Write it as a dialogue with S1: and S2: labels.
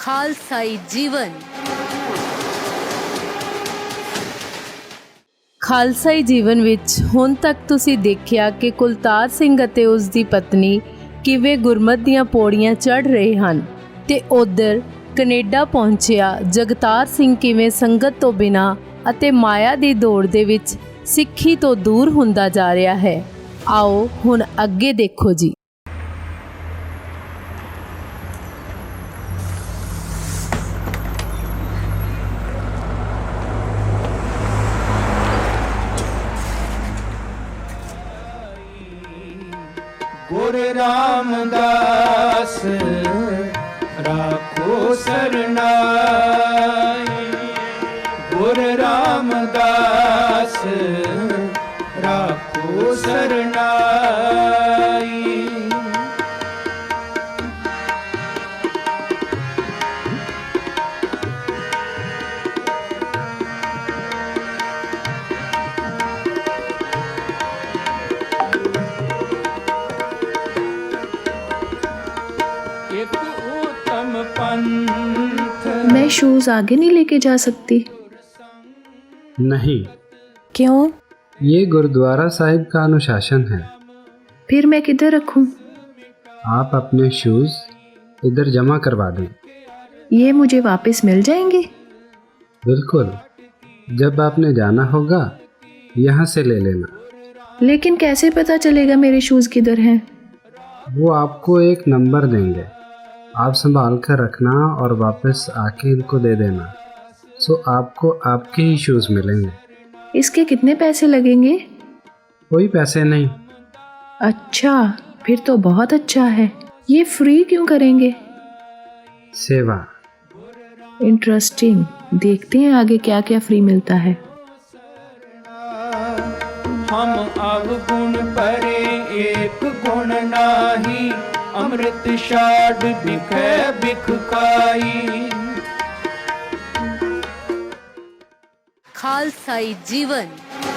S1: ਖਾਲਸਾਈ ਜੀਵਨ। ਖਾਲਸਾਈ ਜੀਵਨ ਵਿੱਚ ਹੁਣ ਤੱਕ ਤੁਸੀਂ ਦੇਖਿਆ ਕਿ ਕੁਲਤਾਰ ਸਿੰਘ ਅਤੇ ਉਸ ਦੀ ਪਤਨੀ ਕਿਵੇਂ ਗੁਰਮਤ ਦੀਆਂ ਪੌੜੀਆਂ ਚੜ੍ਹ ਰਹੇ ਹਨ ਤੇ ਉਧਰ ਕੈਨੇਡਾ ਪਹੁੰਚਿਆ ਜਗਤਾਰ ਸਿੰਘ ਕਿਵੇਂ ਸੰਗਤ ਤੋਂ ਬਿਨਾਂ ਅਤੇ ਮਾਇਆ ਦੀ ਦੌੜ ਦੇ ਵਿੱਚ ਸਿੱਖੀ ਤੋਂ ਦੂਰ ਹੁੰਦਾ ਜਾ ਰਿਹਾ ਹੈ। ਆਓ ਹੁਣ ਅੱਗੇ ਦੇਖੋ ਜੀ।
S2: गुरु रामदास राखो सरनाई, गुरु रामदास राखो सरनाई।
S3: मैं शूज आगे नहीं लेके जा सकती।
S4: नहीं,
S3: क्यों?
S4: ये गुरुद्वारा साहिब का अनुशासन है।
S3: फिर मैं किधर रखूं?
S4: आप अपने शूज इधर जमा करवा दें।
S3: ये मुझे वापस मिल जाएंगे?
S4: बिल्कुल, जब आपने जाना होगा यहाँ से ले लेना।
S3: लेकिन कैसे पता चलेगा मेरे शूज किधर हैं?
S4: वो आपको एक नंबर देंगे, आप संभाल कर रखना और वापस आके इनको दे देना। सो आपको आपके ही शूज़ मिलेंगे।
S3: इसके कितने पैसे लगेंगे?
S4: कोई पैसे नहीं।
S3: अच्छा, फिर तो बहुत अच्छा है। ये फ्री क्यों करेंगे?
S4: सेवा।
S3: इंटरेस्टिंग, देखते हैं आगे क्या क्या फ्री मिलता है।
S2: हम अवगुण परे एक गुण नाही, अमृत शाद बिखै बिख खाई।
S1: ਖਾਲਸਾਈ ਜੀਵਨ।